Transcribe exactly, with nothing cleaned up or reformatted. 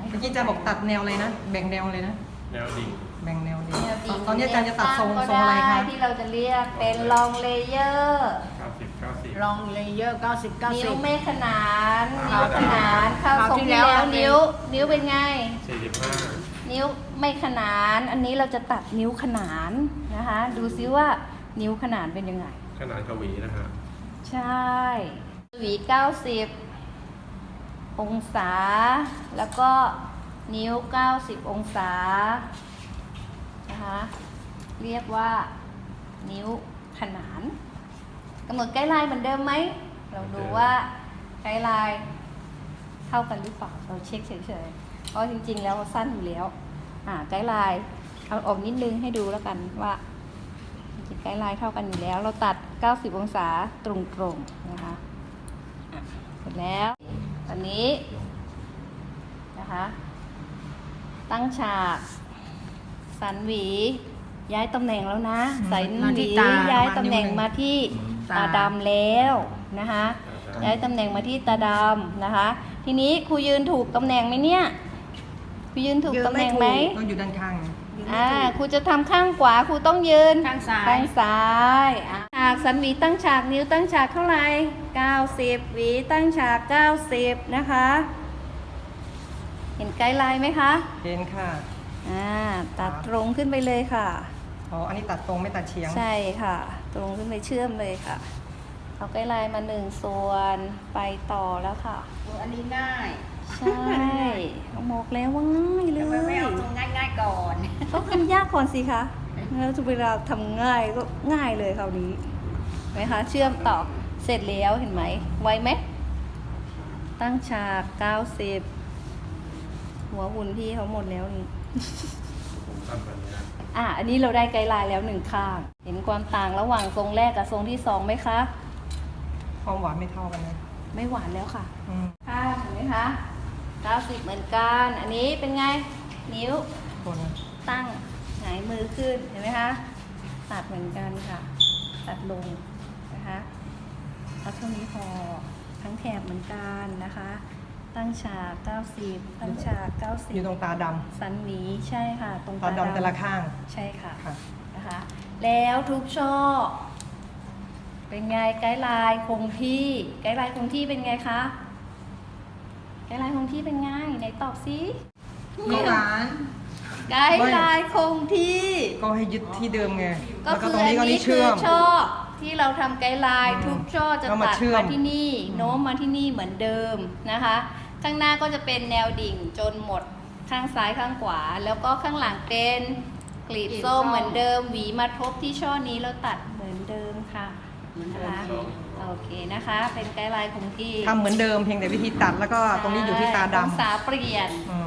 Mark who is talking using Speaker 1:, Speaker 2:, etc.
Speaker 1: เมื่อกี้อาจารย์บอกตัดแนวอะไรนะแบ่งแนวเลยนะ
Speaker 2: แนวดิ่ง
Speaker 1: แบ่งแนวดี
Speaker 3: แนวดิ่ง
Speaker 1: ตอนนี้อาจารย์จะตัดทรง
Speaker 3: ก็
Speaker 1: ทรงอะไร
Speaker 3: ด้
Speaker 1: คะ
Speaker 3: ที่เราจะเรียกเป็นลองเลเยอร์
Speaker 2: เก้าสิบ เก้าสิบ
Speaker 4: ลองเลเยอร์เก้าสิบ เก้า
Speaker 3: นิ้
Speaker 4: สิ
Speaker 3: ว
Speaker 4: บ
Speaker 3: ไม่ขนาน
Speaker 2: ครั
Speaker 3: นิ้ว
Speaker 2: บ
Speaker 3: ขนานเข้า
Speaker 4: คราว
Speaker 3: ทรง
Speaker 4: ที่
Speaker 3: ที่
Speaker 4: แล้ว
Speaker 3: แล้ว
Speaker 4: เราเป็น
Speaker 3: นิ้ว นิ้วเป็นไง
Speaker 2: สี่สิบห้า
Speaker 3: นิ้วไม่ขนาน อันนี้เราจะตัดนิ้วขนานนะคะ ดูซิว่านิ้วขนานเป็นยังไง
Speaker 2: ขนาดกวีนะฮะ
Speaker 3: ใช่หวีเก้าสิบองศา แล้วก็นิ้วเก้าสิบองศานะคะเรียกว่านิ้วขนานกำหนดไกด์ไลน์เหมือนเดิมไหมเราดูว่าไกด์ไลน์เท่ากันหรือเปล่าเราเช็คเฉยๆเพราะจริงๆแล้วสั้นอยู่แล้วอ่าไกด์ไลน์เอาออกนิดนึงให้ดูแล้วกันว่าจริงๆไกด์ไลน์เท่ากันอยู่แล้วเราตัดเก้าสิบองศาตรงๆนะคะอ่ะเสร็จแล้วตอนนี้นะคะตั้งฉากสันหวีย้ายตำแหน่งแล้วนะสัน
Speaker 4: มา
Speaker 3: ห
Speaker 4: ที่
Speaker 3: วี
Speaker 4: ตา
Speaker 3: ย้ายตำแหน่งมาที่
Speaker 4: ตา
Speaker 3: ตาดำแล้วนะคะย้ายตำแหน่งมาที่ตาดำนะคะ ทีนี้ครูยืนถูกตำแหน่งไหมเนี่ยครูยืนถูกตำแหน่งไหม
Speaker 1: ต้องอยู่ด้านข้างนะ
Speaker 3: อ่าครูจะทำข้างขวาครูต้องยืน
Speaker 4: ข้างซ้าย
Speaker 3: ข้างซ้ายอ่ะฉากสันหวีตั้งฉากนิ้วตั้งฉากเท่าไหร่เก้าสิบหวีตั้งฉากเก้าสิบนะคะเห็นไกด์ไลน์ไหมคะ
Speaker 1: เห็นค่ะ
Speaker 3: อ่าตัดตรงขึ้นไปเลยค่ะ
Speaker 1: อ๋ออันนี้ตัดตรงไม่ตัดเฉียง
Speaker 3: ใช่ค่ะ ตรงขึ้นไปเชื่อมเลยค่ะเอาไกด์ไลน์มาหนึ่งส่วนไปต่อแล้วค่ะ
Speaker 4: อันนี้ง่าย
Speaker 3: ใช่บอกแล้วว่าง่ายเล
Speaker 4: ทำไมไม่
Speaker 3: ย
Speaker 4: เอาตรงง่ายๆก่อน
Speaker 3: ต้องทำยากก่อนสิคะแล้วเวลาทำง่ายก็ง่ายเลยคราวนี้เห็นไหมคะเชื่อมต่อเสร็จแล้วเห็นไหมไวไหมตั้งฉากเก้าสิบหัวหุ่นพี่เขาหมดแล้วนี่
Speaker 2: ผมทำแบบนี้นะ
Speaker 3: อ่ะ อันนี้เราได้ไกด์ไลน์แล้วหนึ่งข้าง เห็นความต่างระหว่างทรงแรกกับทรงที่สองไหมคะ
Speaker 1: ความหวานไม่เท่ากันนะ
Speaker 3: ไม่หวานแล้วค่ะ
Speaker 1: อืม
Speaker 3: ข้างเห็นไหมคะเก้าสิบเหมือนกัน อันนี้เป็นไง นิ้ว
Speaker 1: คน
Speaker 3: ตั้งหงายมือขึ้น เห็นไหมคะ ตัดเหมือนกันค่ะ ตัดลงนะคะเอาเท่านี้พอ ทั้งแถบเหมือนกันนะคะ ตั้งฉากเก้าสิบตั้งฉากเก้าสิ
Speaker 1: อยู่
Speaker 3: บ
Speaker 1: ตรงตาด
Speaker 3: สันหวีใช่ค่ะ ตรง
Speaker 1: ำตาดำแต่ละข้าง
Speaker 3: ใช่ค่ะ
Speaker 1: ค่ะ
Speaker 3: นะคะ แล้วทุกช่อ เป็นไงไกด์ไลน์คงที่ ไกด์ไลน์คงที่เป็นไงคะ ไกด์ไลน์คงที่เป็นไงไหนตอบสิ
Speaker 1: ไม่หวาน
Speaker 3: ไกด์ไลน์คงที่
Speaker 1: ก็ให้ยึดที่เดิมไง
Speaker 3: ก็
Speaker 1: แล้วก็
Speaker 3: คือ
Speaker 1: ตรง
Speaker 3: อัน
Speaker 1: นี้ก็
Speaker 3: นี้
Speaker 1: นี่
Speaker 3: คื
Speaker 1: เชื่
Speaker 3: อ
Speaker 1: อม
Speaker 3: ช่อที่เราทำไกด์ไลน์
Speaker 1: อืม
Speaker 3: ทุกช่อจะ
Speaker 1: แล้วมา
Speaker 3: ตัด
Speaker 1: เชื่อม
Speaker 3: มาที่นี่
Speaker 1: อืม
Speaker 3: โน้มมาที่นี่เหมือนเดิมนะคะ ข้างหน้าก็จะเป็นแนวดิ่งจนหมดข้างซ้ายข้างขวา แล้วก็ข้างหลังเป็นกลีบส้มเหมือนเดิม หวีมาทบที่ช่อนี้แล้วตัดเหมือนเดิมค่ะนะคะโอเคนะคะ เป็นไกด์ไลน์คงที่
Speaker 1: ทำเหมือนเดิมเพียงแต่วิธีตัดแล้วก็ตรงนี้อยู่ที่ตา
Speaker 3: องศา
Speaker 1: ดำ
Speaker 3: เปลี่ยน
Speaker 1: อืม